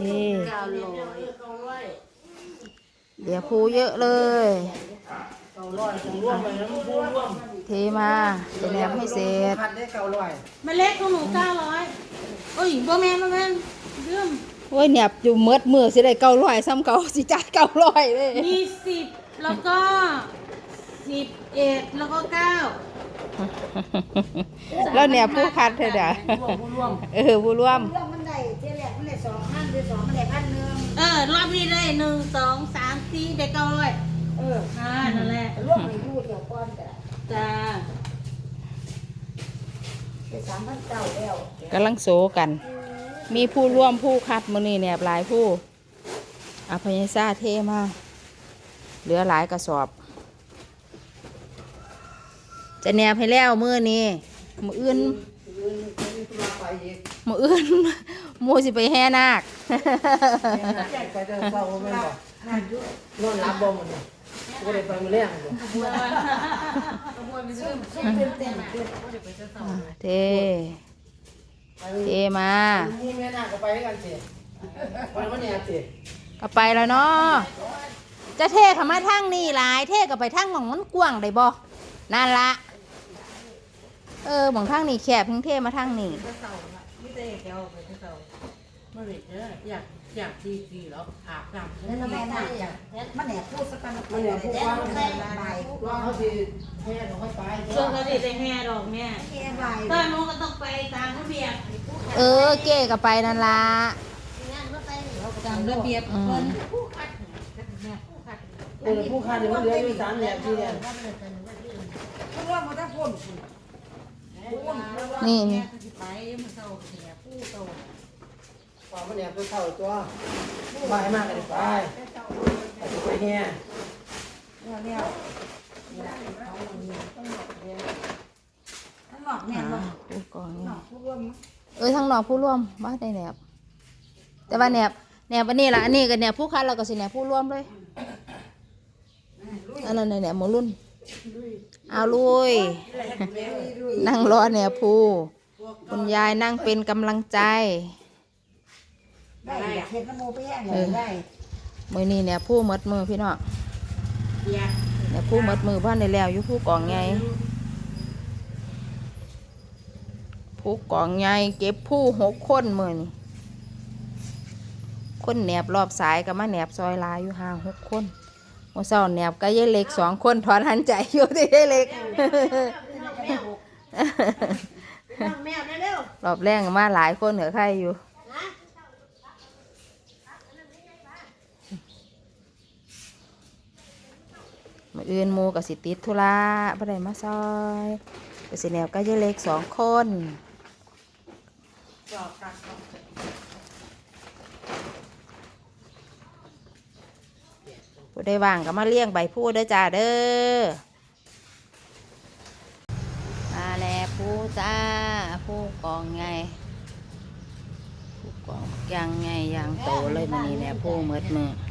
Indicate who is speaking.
Speaker 1: 900
Speaker 2: เดี๋ยวพูเยอะเลยเทมาจะแนบให้เสร็จ
Speaker 1: เมล็ดของหนู900โอ้ยบ่แม่นเรื่อง
Speaker 2: โอ้ยแนบอยู่เมดมือสิได้900ซ้ำเก่าสิจ่าย900เลย
Speaker 1: มี10แล้วก็11แล้วก็9
Speaker 2: แล้วแนบผู้คัดเถอะเด้อผู้ร่วม
Speaker 3: ผู้ร่วมมันได้เที่ยแรกมันได้2,000หรือ2มันได้1,000
Speaker 1: รอบนี้ได้1 2 3 4ได้900นั่นแหละ
Speaker 3: ร่วมให้อยู่เดี๋ยวก่อน
Speaker 1: จ้
Speaker 3: จ้ะ
Speaker 1: า
Speaker 3: ได้3,900แล้ว
Speaker 2: กำลังโซกัน มีผู้ร่วมผู้คัดมื้อนี้แนบหลายผู้อภัยซ่าเทมาเหลือหลายกระสอบ จะแนบให้แล้วมื้อนี้มื้ออื่นหมู่สิไปแห่นาค
Speaker 4: ไปเดินเศร้าแม่นบ่นอนรับบ่มันบ่ได้ไปมื้อแลงบ่
Speaker 2: เทมา
Speaker 4: นี่แม่น่าก็ไปด้วยกันสิไปวันนี้สิ
Speaker 2: ก็ไปแล้วเนาะจะเทเข้ามาทางนี่หลายเทก็ไปทางหม่องมันกว้างได้บ่นั่นละหม่องทางนี่แคบเพิ่งเทมาทางนี่
Speaker 4: มีแต่แกวไปเศร้าบ่ได้เด้ออยากดีๆแล้วอาบน้ำ
Speaker 3: แล้วแม่น่าจ้ะมันแหนพูดสักกัน
Speaker 4: มันเนี่ยผู้ว่า
Speaker 3: แม่ใบ
Speaker 4: ว่าเขาสิแห่เขาค่อยไป
Speaker 1: ช่วงนี้ได้แห่ดอกแม่
Speaker 3: แค่ใบ
Speaker 1: ตอนนู้นก็ต้องไปตามระเบียบ
Speaker 2: เก้ก็ไปนั่นละ
Speaker 1: ตามระเบียบคน
Speaker 4: ผู้คันมันเหลืออยู่3แหลม4แหลม
Speaker 3: ผู้ร่วมมันได้พ่น
Speaker 2: นี่
Speaker 1: ไปมันเศร้าเสียผู้โต
Speaker 4: ว่ามันเนี่ยไปเศร้าตัวบ่ายมากก็ได้ไปแห่
Speaker 3: เนี่ยทั้งหลอกแม่บ่
Speaker 2: ผู้กองนี่
Speaker 3: ผู้ร่วม
Speaker 2: ทางนอกผู้ร่วมมาได้แนบแต่ว่าแนบอันนี้ล่ะอันนี้ก็แนบผู้คัดเราก็สิแนบผู้ร่วมเลยอันนั้นแนบหมู่รุ่นเอาลุยนั่งรอแนบผู้คุณยายนั่งเป็นกำลังใจ
Speaker 3: ได้เห็นน้ำมูไปแย่งเลยได้
Speaker 2: มื้อนี้แนบผู้หมดมือพี่น้องแนบผู้หมดมือบ้านได้แล้วอยู่ผู้กองใหญ่ผู้กองใหญ่เก็บผู้6 คนมื้อนี้คนแหนบรอบสายก็มาแหนบซอยลายอยู่5 6 คนเมื่อเช้าแหนบก็ยายเล็ก2 คนถอนหันใจอยู่ที่ยายเล็ก
Speaker 3: แม่เร็ว
Speaker 2: รอบแรกมาหลายคนเหนือใครอยู่มื้ออื่นหมู่ก็สิติดธุระบ่ได้มาซอยก็สิแหนบก็ยายเล็ก2 คนผู้ได้ว่างก็มาเลี้ยงใบพูดเด้อจ้าเด้อมาแล้วผู้จ้าผู้กองไงผู้กองยังไงยังโตเลยมันนี่แหละผู้เมดมือ